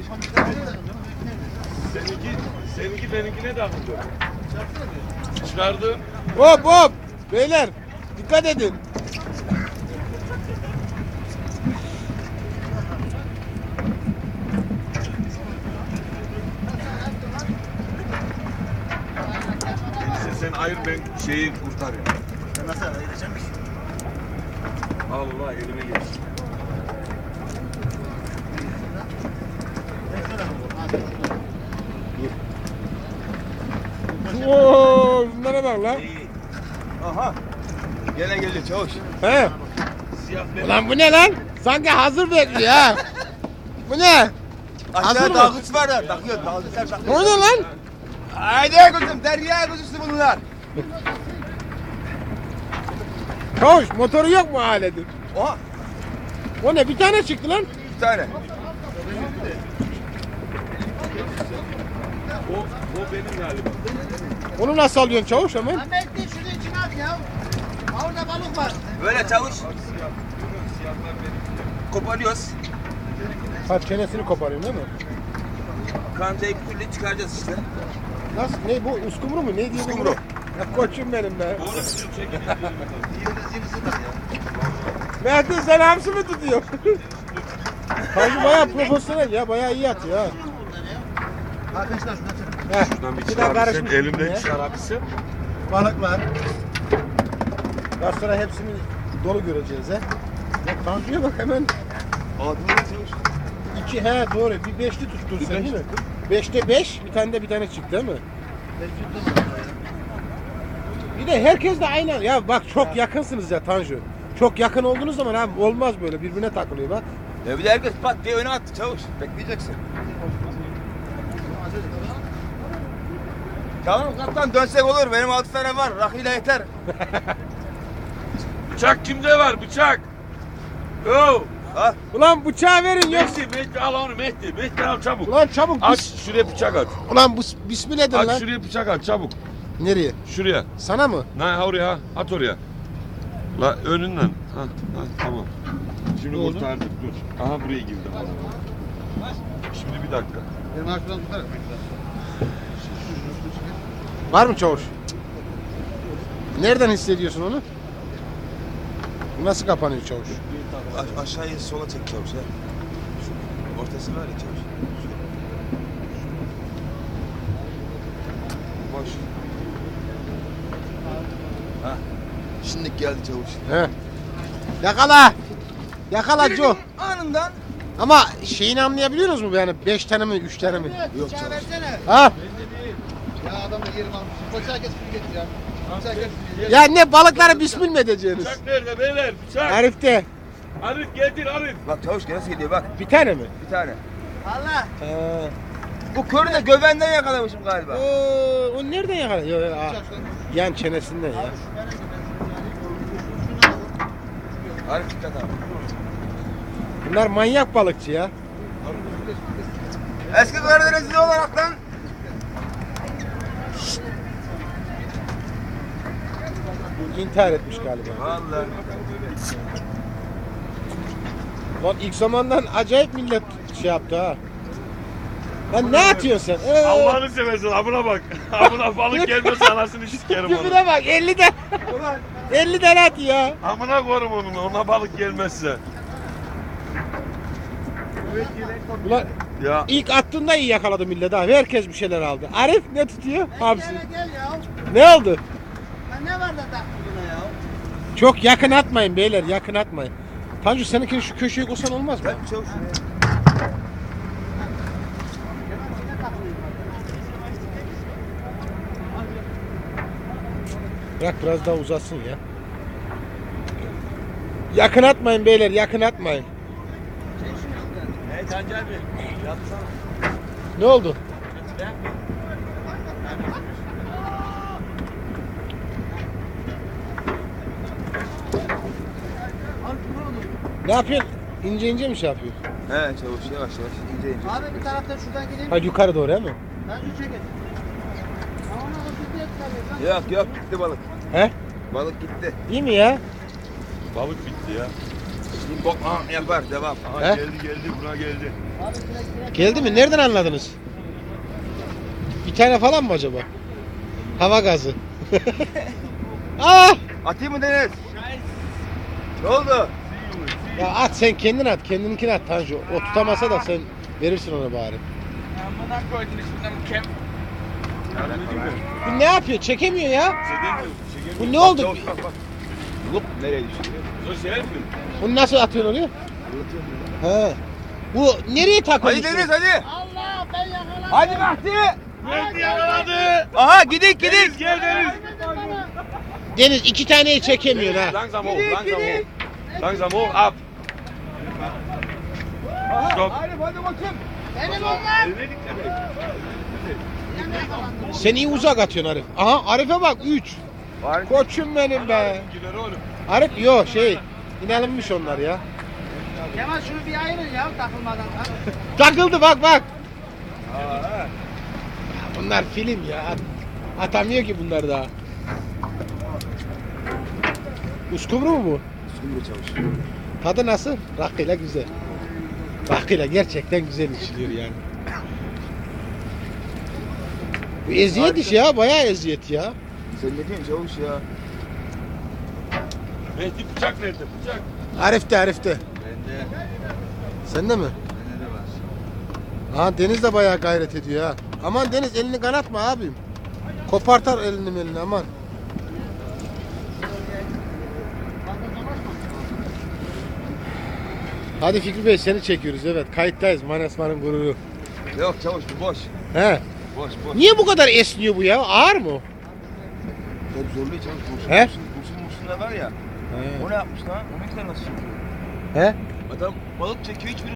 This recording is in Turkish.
Seninki benimkine de akıllı. Çıkardım. Hop hop. Beyler dikkat edin. Sen ayır ben şeyi kurtarayım. Sen nasıl ayıracaksın ki? Allah elime geçsin. Oo, bunlara bak lan. Aha. Gene geliyor çavuş. He. Siyah ben. Ulan bu ne lan? Sanki hazır bekliyor ha. Bu ne? Hazır Aşağıda mı? dalgıç var da takıyor. Dalgıçlar takıyor. O ne lan? Haydi kuzum derya kuzusu bunlar. Koş, motoru yok mu aletin? Oha. O ne? Bir tane çıktı lan. Bir tane. O benim galiba. Onu nasıl alıyorsun çavuş hemen? Ahmet de şunu içine at ya. Orada balık var. Böyle çavuş. Koparıyoruz. Ha çenesini koparıyorsun değil mi? Kancayı bir türlü çıkaracağız işte. Nasıl? Ne bu? Uskumru mu? Ne diyor bu? Uskumru. Ya koçum benim be. Doğru çekin. Mert'in sen hamsi mi tutuyor? Kanka bayağı profesyonel ya. Bayağı iyi atıyor ha. Arkadaşlar şuna çek. Heh, Şuradan bir bir daha çıkar karışmış mısın? Elimde ya. çıkar abisi. Balıklar. Daha sonra hepsini dolu göreceğiz he. Ya Tanju'ya bak hemen. Adını çavuş. 2 he doğru. Bir beşli tuttun sen değil mi? 5'te 5 bir tane de çıktı değil mi? Bir de herkes de aynı. Ya bak çok yakınsınız ya Tanju. Çok yakın olduğunuz zaman abi olmaz böyle birbirine takılıyor bak. Ya bir de herkes pat diye öne attı çavuş. Bekleyeceksin. Tamam kaptan dönsek olur. Benim 6 tane var. Rakıyla yeter. Bıçak kimde var? Bıçak. Yo. Ha? Ulan bıçağı verin yok. Mehdi al onu Mehdi. Mehdi al çabuk. Ulan çabuk. Aç şuraya bıçak at. Ulan bu bismillah edin Aç lan. şuraya bıçak at çabuk. Nereye? Şuraya. Sana mı? Ha oraya at oraya. La önünden. Ha tamam. Şimdi Ne oldu? kurtardık dur. Aha buraya girdi. Şimdi bir dakika. Benim arkadan tutar. Var mı çavuş? Nereden hissediyorsun onu? Nasıl kapanıyor çavuş? Aşağıya sola çek çavuş ya. Ortası var ya çavuş. Boş. Ha. Şimdi geldi çavuş. He. Yakala. Yakala Joe. Anından. Ama şeyini anlayabiliyorsunuz mu yani 5 tane mi 3 tane mi? Yok Bıçağı çavuş. versene. Ha? Ya adam da yerim almış. Bıçağı kes bunu getir ya. Bıçağı kes bunu getir. Ya ne balıkları bismil mi edeceğiniz? Bıçak nerede beyler? Bıçak. Arif'te. Arif getir Arif. Bak çavuş nasıl geliyor bak. Bir tane mi? Bir tane. Allah. Ha. Bu körü de gövenden yakalamışım galiba. O nereden yakalıyor? Yan çenesinden ya. Arif dikkat abi. Bunlar manyak balıkçı ya. Eski Karadenizli olaraktan Bu intihar etmiş galiba. vallahi. Lan ilk zamandan acayip millet şey yaptı ha. Lan ne atıyorsun sen? Allah'ını seversen abuna bak. Abuna balık gelmez anasını sikerim onu. Küfüre bak 50 tane. 50 tane at ya. Amına korum onun ona balık gelmezse. Ulan Ya ilk attığında iyi yakaladı millet abi. Herkes bir şeyler aldı. Arif ne tutuyor? Hamsi. Gel gel ya. Ne oldu? Ya ne var da taktın buna ya? Çok yakın atmayın beyler, yakın atmayın. Tanju seninkini şu köşeye koysan olmaz mı? Ben çavuş. Bırak biraz daha uzasın ya. Yakın atmayın beyler, yakın atmayın. Hey Cancel Bey. Yapsana. Ne oldu? Ne yapıyorsun? İnce ince mi şey yapıyorsun? He çavuş yavaş yavaş ince ince. Abi bir taraftan şuradan gideyim. Hadi yukarı doğru değil mi? Ben şu çekin. Ama ona hızlı diye tutarız. Yok gitti balık. He? Balık gitti. İyi mi ya? balık bitti ya. Yapar devam. Aha, He? geldi buna geldi. Geldi mi? Nereden anladınız? Bir tane falan mı acaba? Hava gazı. Ah! Atayım mı Deniz? Ne oldu? Ya at sen kendin at. Kendininkini at Tanju. O tutamasa da sen verirsin ona bari. Amına koydun üstünden kem. Bu ne yapıyor? Çekemiyor ya. Çekemiyor. Bu ne oldu? Lup nereye düştü? O şey mi? Bunu nasıl atıyorsun oraya? He. Bu nereye takılmış? Hadi Deniz bu? hadi. Allah ben yakaladım. Hadi Mahdi. Geldi yakaladı. Aha gidik gidik. Gel Deniz. Deniz iki taneyi çekemiyor ha. Langsam hoch, langsam hoch. Langsam hoch, ab. Stop. Hadi bakayım. Benim onlar. Sen iyi uzak atıyorsun Arif. Aha Arif'e bak 3. Koçum benim be. Gider oğlum. Arif yok inanılmış onlar ya. Kemal şunu bir ayırın ya takılmadan. Ha? Takıldı bak. Bunlar film ya. Atamıyor ki bunlar daha. Uskumru mu bu? Sumru çalışıyor. Tadı nasıl? Rakıyla güzel. Rakıyla gerçekten güzel içiliyor yani. Bu eziyet iş ya, bayağı eziyet ya. Sen ne diyorsun çavuş ya? Mehdi bıçak nerede? Bıçak. Arif'te. Bende. Sende mi? Bende de var. Aha Deniz de bayağı gayret ediyor ha. Aman Deniz elini kanatma abim. Kopartar elini aman. Hadi Fikri Bey seni çekiyoruz evet kayıttayız Manasman'ın gururu. Yok çavuş bu boş. He. Boş. Niye bu kadar esniyor bu ya? Ağır mı? o? Hep zorluyor çavuş. Kurşun, He? kurşun da var ya. O ne yapmış lan? O ne kadar nasıl çekiyor? He? Adam balık çekiyor hiçbir